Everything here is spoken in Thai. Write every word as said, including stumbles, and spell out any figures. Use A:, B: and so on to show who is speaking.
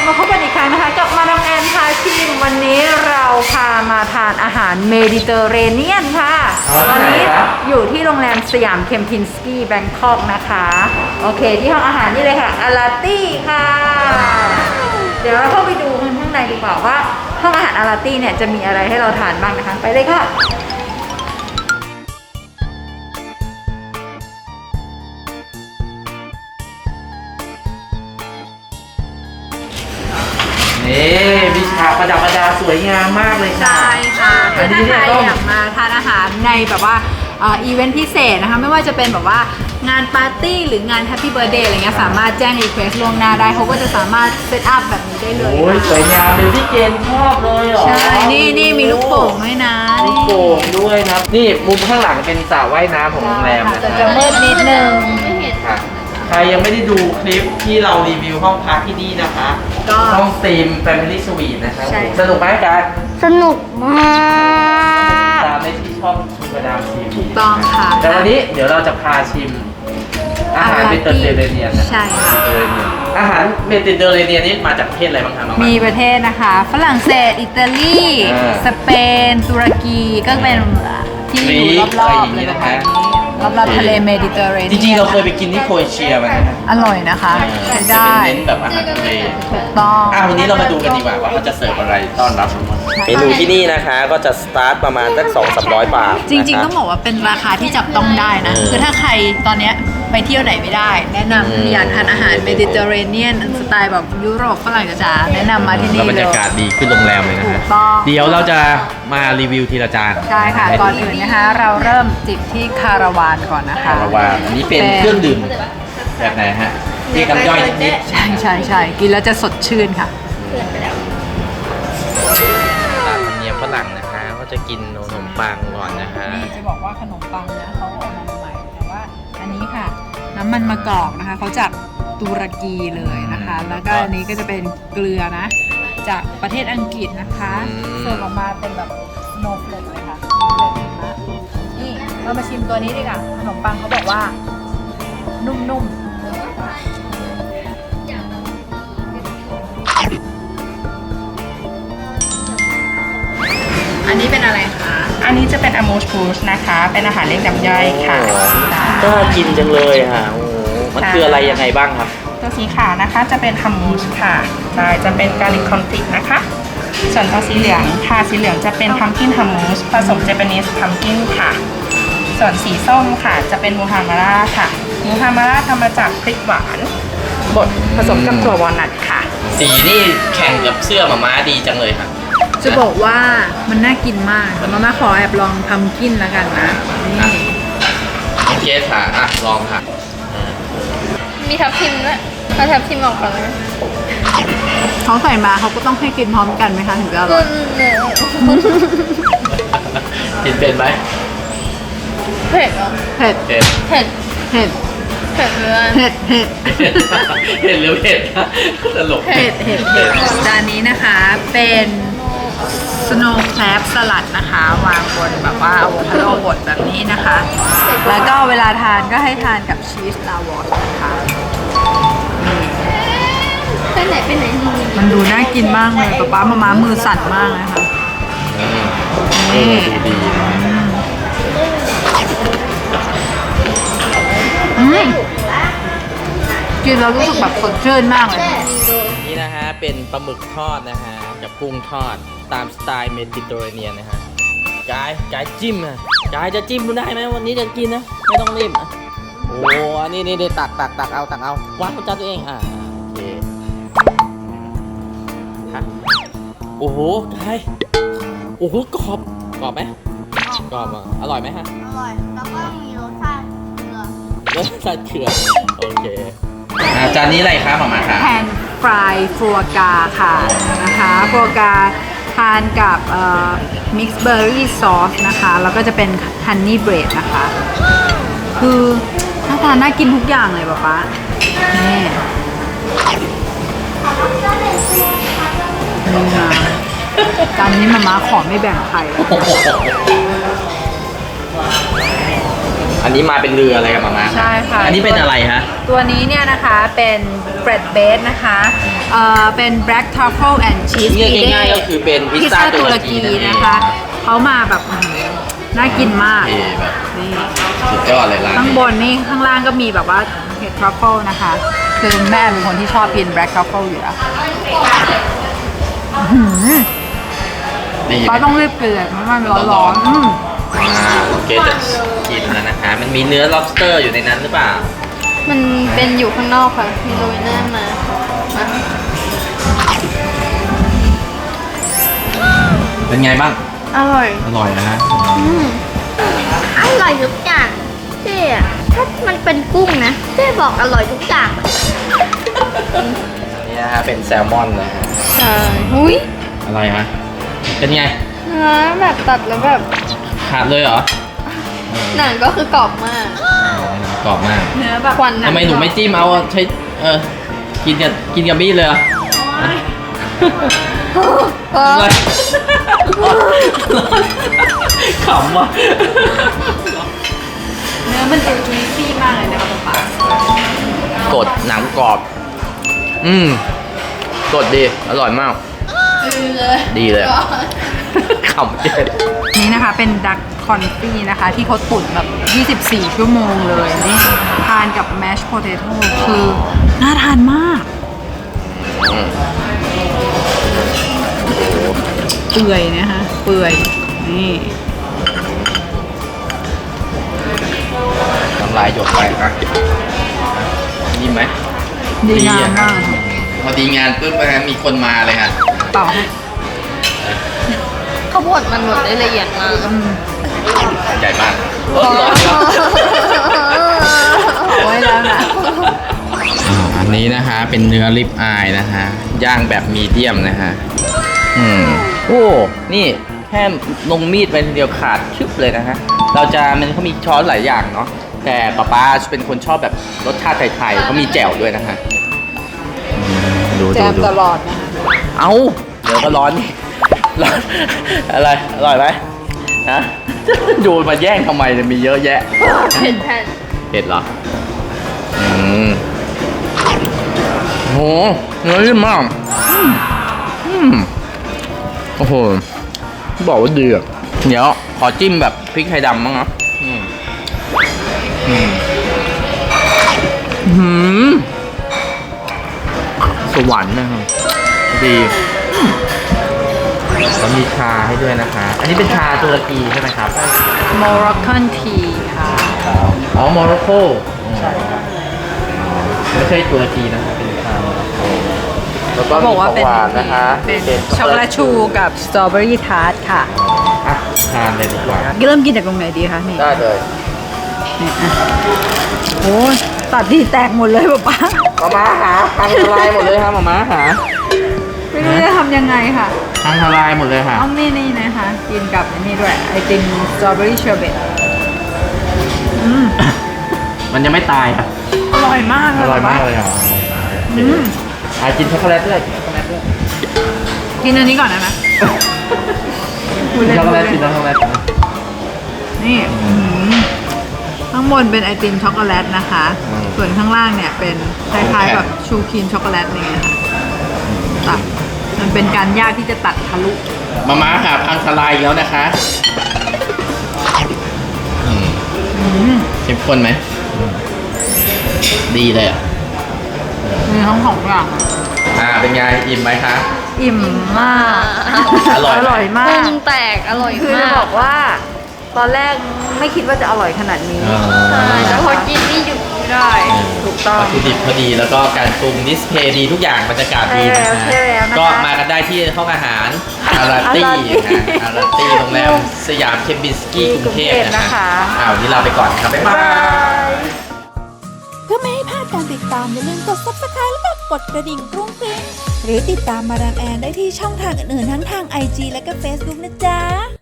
A: มาพบกันอีกครั้งนะคะกับมาดามแอนพาชิมวันนี้เราพามาทานอาหารเมดิเตอร์เรเนียนค่ะตอนนี้อยู่ที่โรงแรมสยามเคมพินสกี้แบงคอกนะคะโอเคที่ห้องอาหารนี่เลยค่ะอาราตี้ค่ะเดี๋ยวเราเข้าไปดูข้างในดีกว่าว่าห้องอาหารอาราตี้เนี่ยจะมีอะไรให้เราทานบ้างนะคะไปเลยค่ะ
B: นี่วิชาประดับประดาสวยงามมากเลยค่ะ
A: ใช่ค่ะถ้าใครอยากมาทานอาหารในแบบว่าอีเวนต์พิเศษนะคะไม่ว่าจะเป็นแบบว่างานปาร์ตี้หรืองานแฮปปี้เบิร์ธเดย์อะไรเงี้ยสามารถแจ้งรีเควสต์ล่วงหน้าได้เขาก็จะสามารถเซตอัพแบบนี้ได้เลย
B: โอ้ยสวยงามเลยพี่เกณฑ์ชอบเลยเหรอ
A: ใช่นี่นี่มีลูกโป่งด้วยนะ
B: ลูกโป่งด้วยนะนี่มุมข้างหลังเป็นสระว่ายน้ำของโรงแรมนะ
A: แต่จะมืดนิดนึง
B: ค่ะใครยังไม่ได้ดูคลิปที่เรารีวิวห้องพักที่นี่นะคะ
A: ก็
B: ห้องธีม Family Suite นะครับสนุกไหมกัน
C: สนุกมาก
B: ตามในที่ช่องชูกระดามทีวี
A: ถูกต้องค่ะ
B: แต่วันนี้เดี๋ยวเราจะพาชิมอาหารเมดิเตอร์เรเนียนนะ
A: ใช่ค่ะ
B: อาหารเมดิเตอร์เรเนียนนี่มาจากประเทศอะไรบ้างคะน้อง
A: มีประเทศนะคะฝรั่งเศสอิตาลีสเปนตุรกีก็เป็นที่อยู่รอบๆเลยนะคะรอบๆทะเลเมดิเตอร์เรเนียน
B: จริงๆเราเคยไปกินที่โครเอเชียมานะ
A: อร่อยนะคะ
B: ได้เป็นเน้นแบบอาหารทะเล
A: ถูกต้อง
B: อ่ะวันนี้เรามาดูกันดีกว่าว่าเขาจะเสิร์ฟอะไรต้อนรับเมนูที่นี่นะคะก็จะสตาร์ทประมาณสักสองสามร้อยบาท
A: จริงๆต้องบอกว่าเป็นราคาที่จับต้องได้นะคือถ้าใครตอนเนี้ยไปเที่ยวไหนไม่ได้แนะนำอยากทานอาหารเมดิเตอร์เรเนียนสไตล์แบบยุโรปฝรั่งจ๋าแนะนำมาที่นี่เลย
B: บรรยากาศดีขึ้นโรงแรมเลยนะฮะเดี๋ยวเราจะมารีวิวทีละจาน
A: ใช่ค่ะก่อนอื่นนะคะเราเริ่มจิบที่คาราวานก่อนนะคะ
B: คาราวานอันนี้เป็นเครื่องดื่มแบบไหนฮะที่น้ำย่อยนิด
A: ๆใช่ใช่ใช่กินแล้วจะสดชื่นค่ะ
B: ตามธรรมเนียมฝรั่งนะคะก็จะกินขนมปังก่อนนะคะ
A: นี่จะบอกว่าขนมปังนะเขาออกมาใหม่แต่ว่าอันนี้ค่ะน้ำมันมะกอกนะคะเขาจากตุรกีเลยนะคะแล้วก็อันนี้ก็จะเป็นเกลือนะจากประเทศอังกฤษนะคะเสิร์ฟออกมาเป็นแบบสโนว์เฟลกเลยค่ะนี่เรามาชิมตัวนี้ดีกว่าขนมปังเขาบอกว่านุ่มๆอันนี้เป็นอะไรคะ
D: อันนี้จะเป็นอะโมชฟูชนะคะเป็นอาหารเลี้ยงน้ำย่อยค่ะ
B: น่ากินจังเลยค่ะโอ้มันคืออะไรยังไงบ้างครับ
D: ตัวสีขาวนะคะจะเป็นฮัมมูชค่ะใช่จะเป็นกาลิกคอนฟิกนะคะส่วนตัวสีเหลืองค่ะสีเหลืองจะเป็นพัมกินฮัมมูชผสมเจแปนิสพัมกินค่ะส่วนสีส้มค่ะจะเป็นมูฮามาร่าค่ะมูฮามาร่าทำมาจากพริกหวานบดผสมกับถั่ววอลนัทค่ะ
B: สีนี่แข่งกับเสื้อหมาม้าดีจังเลยค่ะ
A: จะบอกว่ามันน่ากินมากแต่มาม่าขอแอบลองพัมกินแล้วกันนะนี่
B: โอเคค่ะอ่ะลองค่ะ
C: มีทับทิมด้วยเอาทับทิมออกก่อนนะ
A: เขาใส่มาเขาก็ต้องให้กินพร้อมกันไหมคะถึงจะอร่อย
B: กินเป็นไหม
C: เผ็ดเหรอ
A: เผ็ด
B: เผ็ด
C: เผ็ด
A: เผ็ด
C: เผ็ดเลย
A: เผ็ดเผ็ด
B: เผ็ดหรือเผ็ดตลก
A: เผ็ดเผ็ดเผ็ดจานนี้นะคะเป็นสโนว์แครบสลัดนะคะวางบนแบบว่าอะโวคาโดบดแบบนี้นะคะแล้วก็เวลาทานก็ให้ทานกับชีสลาวอชนะคะ
C: ไปไหนไปไหน
A: มันดูน่ากินมากเลยป๊าป๊ามาม้ามือสั่นมากนะคะนี่
B: ดี
A: กินแล้วรู้สึกแบบสดชื่นมากเลย
B: นี่นะฮะเป็นปลาหมึกทอดนะฮะกับกุ้งทอดตามสไตล์เมดิเตอร์เรเนียนนะฮะกายกายจิ้มอ่ะกายจะจิ้มได้ไหมวันนี้จะกินนะไม่ต้องรีบโอ้อันนี้นี่ตักตักตักเอาตักเอาวางบนจานตัวเองอ่ะโอเคฮะโอ้โหกายโอ้โหกรอบกรอบไหมกรอบอ่ะอร่อยไหมฮะ
C: อร่อยแล้วก็มีรสชาติเกลือ
B: รสชาติเกลือโอเคจานนี้อะไรคะหม่าม่าคะ
A: แพนฟรายฟัวกาค่ะนะคะฟัวกาทานกับมิกซ์เบอร์รี่ซอสนะคะแล้วก็จะเป็นฮันนี่เบรดนะคะคือน่าทานน่ากินทุกอย่างเลยป๊าป๊านี่นี่นะจานนี้มาม่าขอไม่แบ่งใครเลย
B: อันนี้มาเป็นเรืออะไรกับมาม่า
A: ใช่ค่ะ
B: อันนี้เป็นอะไรฮะ
A: ตัวนี้เนี่ยนะคะเป็นเบรดเบสนะคะเอ่อเป็น black truffle and cheese
B: เรียก
A: pide
B: ง่ายๆก็คือเป็นพิ
A: พิ
B: ซ
A: ซ
B: ซ่า
A: ซ่า
B: ตุ
A: ตุ
B: ร
A: ร
B: กี
A: กี
B: นั่นเอง
A: นะคะเขามาแบบอื้อหือน่ากินมาก
B: เท่แบบ
A: นี่
B: สุดยอดเลยร้าน
A: ข้าง
B: นี้
A: บนนี่ข้างล่างก็มีแบบว่าเห็ดทรัฟเฟิลนะคะคือแม่เป็นคนที่ชอบกิน black truffle อยู่แล้วอื้อหือ
B: ดีไหม
A: เราต้องรีบเกลือเพราะมันร้อนๆอืม
B: อ่าโอเคจะกินแล้วนะคะ มันมีเนื้อ lobster อยู่ในนั้นหรือเปล่า
C: มันเป็นอยู่ข้างนอกค่ะ มีโรยหน้ามามา
B: เป็นไงบ้าง
C: อร่อย
B: อร่อยนะฮะ
C: อืมอร่อยทุกอย่างเจ๊อะถ้ามันเป็นกุ้งนะเจ๊บอกอร่อยทุกอย่าง
B: อันนี้นะฮะเป็นแซลมอนนะฮะ
C: ใช่หุ้ย
B: อะไรฮะ เป็นไง
C: เนื้อแบบตัดแล้วแบบ
B: ขาดเลยเหรอ
C: หนังก็คือกรอบมาก
B: กรอบมาก
A: เนื้อแบบ
C: ควัน
B: ทำไมหนูไม่จิ้มเอาใช้เออกินกับกินกับมีดเลยเหรอ
C: เออ
B: อะไรขำว่ะ
A: เนื้อมันจะจุยซี่มากเลยนะคะป๊าป๊าก
B: ดหนังกรอบ อืมกดดี อร่อยมาก ดีเลย ขำเจ็ด
A: นี่นะคะเป็นดักคอนฟี่นะคะ ที่เขาตุ๋นแบบ ยี่สิบสี่ ชั่วโมงเลยนี่ทานกับแมชโพเตโต้คือน่าทานมากเปื่อยนะคะเปื่อยนี่
B: น้ำลายหยดไปนะดีไหม
A: ดีงามมาก
B: พอดีงานปุ๊บนะมีคนมาเลยฮะ
A: เป่าให้
C: ข้าวโพดมันบดได้ละเอียดมาก
A: อืม
B: ใหญ่มาก
A: โอ้ยแล้วนะ
B: อันนี้นะคะเป็นเนื้อริบอายนะคะย่างแบบมีเดียมนะคะอืมโอ้นี่แค่ลงมีดไปทีเดียวขาดชึบเลยนะฮะเราจะมันเขามีช้อนหลายอย่างเนาะแต่ป๊าป๊าเป็นคนชอบแบบรสชาติไทยๆเขามีแจ่วด้วยนะฮะอืมดู
A: แจ
B: ดู
A: ม
B: ดู
A: ตลอดนะคะ
B: เอาเดี๋ยวก็ร้อนนี่ร้อนอะไรอร่อยไหมฮะดูมาแย่งทำไมเนี่ยมีเยอะแยะ
C: เผ็ดแผ่น
B: เผ็ดเหรอ อืมโหเนื้อนิ่มมาก อืมอืมโอ้โห บอกว่าดีอ่ะ เดี๋ยวขอจิ้มแบบพริกไทยดำบ้างนะอืมอืมหืมสวรรค์นะครับ ดีอืมแล้วมีชาให้ด้วยนะคะ อันนี้เป็นชาตุรกีใช่ไหมครับ
A: โมร็อกกันทีค่ะ
B: อ๋อโมร็อกโกใช่ครับไม่ใช่ตุรกีนะครับเป็นชาโมร็อกโกแล้วก็
A: เขาบอกว่าเป็น
B: มีของหวานนะคะ
A: เป็นช็อกโกแลตชูกับสตรอเบอรี่ทาร์ตค่ะ
B: อ่ะทานเลยดีกว่า
A: เริ่มกินจากตรงไหนดีคะนี่
B: ได้เลย
A: นี่อ่ะโอ้ยตัดดีแตกหมดเลยป๊าป๊า
B: มาม้าหาพังทลายหมดเลยครับมาม้าหา
A: ไม่รู้จะทำยังไงค่ะ
B: พังทลายหมดเลยค่ะ
A: ต้องนี่นี่นะคะ กินกับอันนี้ด้วยไอติมสตรอเบอรี่เชอร์เบตอืม
B: มันยังไม่ตายค่ะ
A: อร่อยมากเลย
B: อร่อยมาก
A: ป๊
B: เลยอ่ะ
A: อืม
B: อ่ะกินช็อกโกแลตด้วยกินช็อกโกแลตด้วย
A: กินอันนี้ก่อนได้ไหม
B: กินช็อกโกแลตกินช็อกโกแลต
A: นี่อื้อหือข้างบนเป็นไอติมช็อกโกแลตนะคะ ส่วนข้างล่างเนี่ยเป็นคล้ายๆแบบชูครีมช็อกโกแลตอะไรเงี้ยค่ะตัดมันเป็นการยากที่จะตัดทะลุ
B: มาม้าหาพังทลายอีกแล้วนะคะอืม
A: อืม
B: เข้มข้นไหมดีเลยอ่ะ
A: มีทั้งสองอย่าง
B: อ่าเป็นไงอิ่มไหมคะ
A: อิ่มมาก
B: อร่อยไหม
A: อร่อยมา
C: กุ้
A: ก
C: งแตกอร่อย
A: คือ
C: มา
A: จะ
C: ก
A: บอกว่า ตอนแรกไม่คิดว่าจะอร่อยขนาดนี้
C: ใช่แต่พอกินนี่หยุดไม่ได้
A: ถูกต้อง
B: วัตถุดิบพอดีแล้วก็การปรุงดิสเพย์ดีทุกอย่างบรรยากาศดีนะ
A: ใช่
B: ฮะ
A: แล้วนะคะ
B: ก็มากันได้ที่ห้องอาหารอาราตี้
A: อาราตี้
B: นะอาราตี้โรงแรมสยามเคมบินสกี้กรุงเทพ
A: กรุงเทพ
B: นะ
A: นะคะ
B: คะอ้าววันนี้ลาไปก่อนครับบ๊ายบาย
E: เพื่อไม่ให้พลาดการติดตามอย่าลืมกด ซับสไครบ์ แล้วก็กดกระดิ่งกรุ้งกริ้งหรือติดตามมาดามแอนได้ที่ช่องทางอื่นๆทั้งทาง ไอ จี และก็ เฟซบุ๊ก นะจ๊ะ